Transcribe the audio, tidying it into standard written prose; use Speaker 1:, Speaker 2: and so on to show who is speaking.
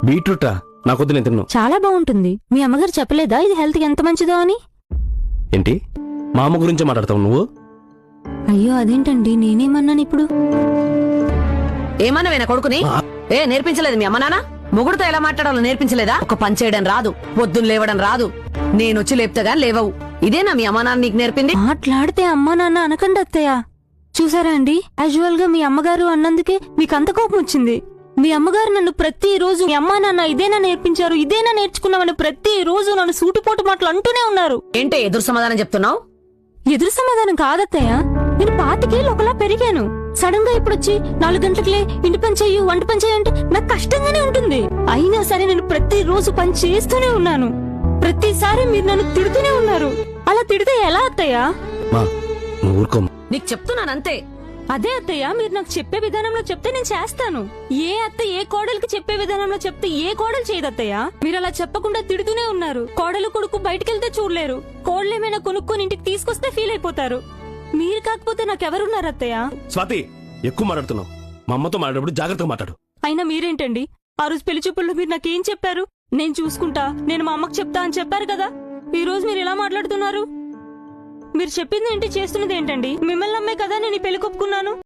Speaker 1: బీట్రూటా? నాకొద్దు, నేను తిన్ను.
Speaker 2: చాలా బాగుంటుంది. మీ అమ్మగారు చెప్పలేదా ఇది హెల్త్ కి ఎంత మంచిదో అని?
Speaker 1: ఏంటి మా అమ్మ గురించే మాట్లాడతావు నువ్వు?
Speaker 2: అయ్యో అదేంటండి, నేనేమన్నాను ఇప్పుడు?
Speaker 3: ఏమన్నావేనా కొడుకుని? నేర్పించలేదు మీ అమ్మ నాన్న? మొగుడుతో ఎలా మాట్లాడాలో నేర్పించలేదా? ఒక పని చేయడం రాదు, పొద్దున్న లేవడం రాదు, నేనొచ్చి లేపుతాగా లేవవు. ఇదేనా మీ అమ్మ నాన్న నీకు నేర్పింది?
Speaker 2: మాట్లాడితే అమ్మా నాన్న అనకండి అత్తయ్య. చూసారా అండి, యాజువల్ గా మీ అమ్మగారు అన్నందుకే మీకు అంత కోపం వచ్చింది. మీ అమ్మగారు నన్ను ప్రతిరోజు మీ అమ్మా నాన్న ఇదేనా నేర్పించారు, ఇదేనా నేర్చుకున్నామని ప్రతిరోజు నన్ను సూటిపోటు మాటలు అంటూనే ఉన్నారు.
Speaker 3: ఏంటే ఎదురు సమాధానం చెప్తున్నావు?
Speaker 2: ఎదురు సమాధానం కాదత్తయ్య, నేను 25 ఏళ్ళు ఒకలా పెరిగాను. సడన్ గా ఇప్పుడొచ్చి 4 గంటలకే ఇంటి పని చెయ్యి, వంట పని చెయ్యి అంటే నాకు కష్టంగానే ఉంటుంది. అయినా సరే నేను ప్రతిరోజు పని చేస్తూనే ఉన్నాను. ప్రతిసారి మీరు నన్ను తిడుతూనే ఉన్నారు. అలా తిడితే ఎలా అత్తయ్య?
Speaker 1: నువ్వు ఊరుకోమ్మా.
Speaker 3: నీకు చెప్తున్నానంతే.
Speaker 2: అదే అత్తయ్య, మీరు నాకు చెప్పే విధానంలో చెప్తే నేను చేస్తాను. ఏ అత్త ఏ కోడలికి చెప్పే విధానంలో చెప్తే ఏ కోడలు చేయదత్తయ్య? మీరు అలా చెప్పకుండా తిడుతూనే ఉన్నారు. కోడలు కొడుకు బయటకెళ్తే చూడలేరు, కోడలేమైనా కొనుక్కొని ఇంటికి తీసుకొస్తే ఫీల్ అయిపోతారు. మీరు కాకపోతే నాకెవరున్నారు అత్తయ్య?
Speaker 1: స్వాతి, ఎక్కువ మాట్లాడుతున్నావు. మా అమ్మతో మాట్లాడేటప్పుడు జాగ్రత్తగా మాట్లాడు.
Speaker 2: అయినా మీరేంటండి, ఆ రోజు పెళ్లి చూపుల్లో మీరు నాకేం చెప్పారు? నేను చూసుకుంటా, నేను మా అమ్మకి చెప్తా అని చెప్పారు కదా. ఈ రోజు మీరు ఎలా మాట్లాడుతున్నారు? మీరు చెప్పింది ఏంటి, చేస్తున్నది ఏంటండి? మిమ్మల్ని నమ్మే కదా నేను ఈ పెళ్లి కొప్పుకున్నాను.